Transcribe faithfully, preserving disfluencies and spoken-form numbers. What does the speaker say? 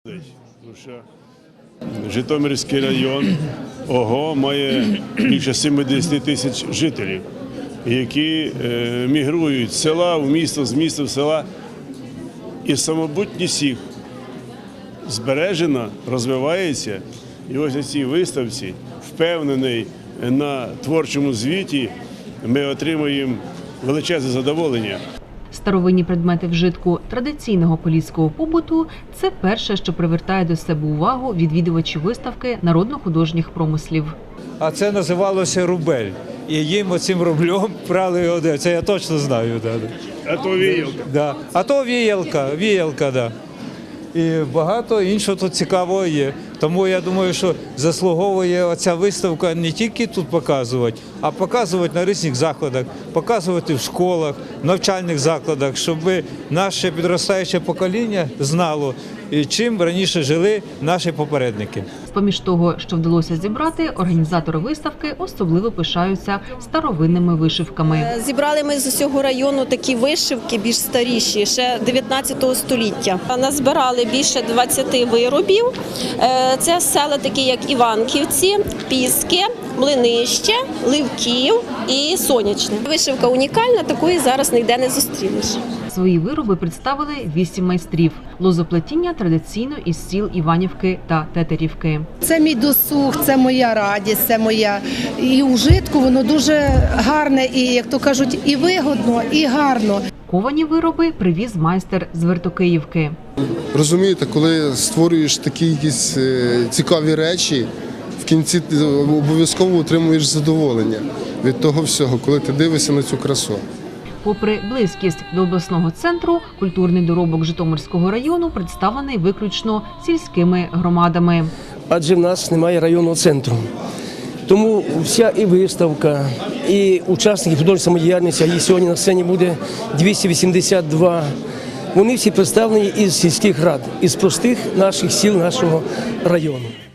Тому що Житомирський район ОГО має більше сімдесят тисяч жителів, які е, мігрують з села в місто, з міста в села. І самобутність їх збережена, розвивається. І ось на цій виставці, впевнений на творчому звіті, ми отримуємо величезне задоволення. Старовинні предмети вжитку традиційного поліського побуту – це перше, що привертає до себе увагу відвідувачів виставки народно-художніх промислів. А це називалося рубель. І їм оцим рублем прали одежу. Це я точно знаю. Да. А то віялка. Да. А то віялка, віялка, да. І багато іншого тут цікавого є. Тому я думаю, що заслуговує оця виставка не тільки тут показувати, а показувати на різних заходах, показувати в школах, навчальних закладах, щоб наше підростаюче покоління знало, чим раніше жили наші попередники. З-поміж того, що вдалося зібрати, організатори виставки особливо пишаються старовинними вишивками. Зібрали ми з усього району такі вишивки, більш старіші, ще дев'ятнадцятого століття. Назбирали більше двадцяти виробів. Це села такі, як Іванківці, Піски, Млинище, Ливків і Сонячне. Вишивка унікальна, такої зараз ніде не зустрінеш. Свої вироби представили вісім майстрів. Лозоплетіння традиційно із сіл Іванівки та Тетерівки. Це мій досуг, це моя радість, це моя. І у житку воно дуже гарне, і, як то кажуть, і вигодно, і гарно. Ковані вироби привіз майстер з Вертокиївки. Розумієте, коли створюєш такі якісь цікаві речі, в кінці ти обов'язково отримуєш задоволення від того всього, коли ти дивишся на цю красу. Попри близькість до обласного центру, культурний доробок Житомирського району представлений виключно сільськими громадами. Адже в нас немає районного центру. Тому вся і виставка, і учасники художньої самодіяльності, а їх сьогодні на сцені буде двісті вісімдесят два, вони всі представлені із сільських рад, із простих наших сіл нашого району.